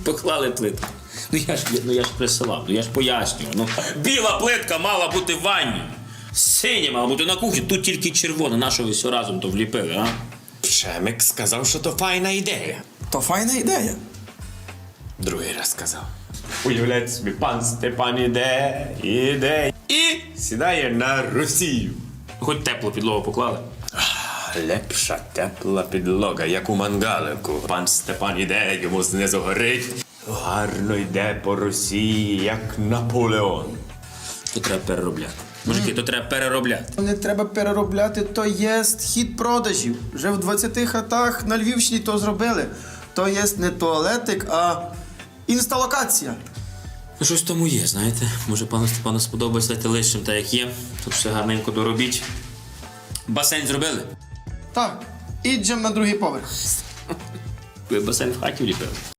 Поклали плитку. Ну я ж присилав, я ж пояснюю. Ну, біла плитка мала бути в ванні. Синя мала бути на кухні, тут тільки червона. На що ви все разом то вліпили, а? Шемик сказав, що то файна ідея. То файна ідея. Другий раз сказав. Уявляйте собі, пан Степан іде і сідає на Росію. Хоч теплу підлогу поклали. Лепша тепла підлога, як у мангалику. Пан Степан іде, йому знизу горить. Гарно йде по Росії, як Наполеон. То треба переробляти. Мужики, то треба переробляти. Не треба переробляти, то є хід продажів. Вже в 20 хатах на Львівщині то зробили. То є не туалетик, а інсталокація. Ну, щось в тому є, знаєте. Може, пану Степану сподобається, дайте лишнім так, як є. Тут все гарненько доробіть. Басейн зробили? Так, іджем на другий поверх. Ви басейн в хаті вліпили?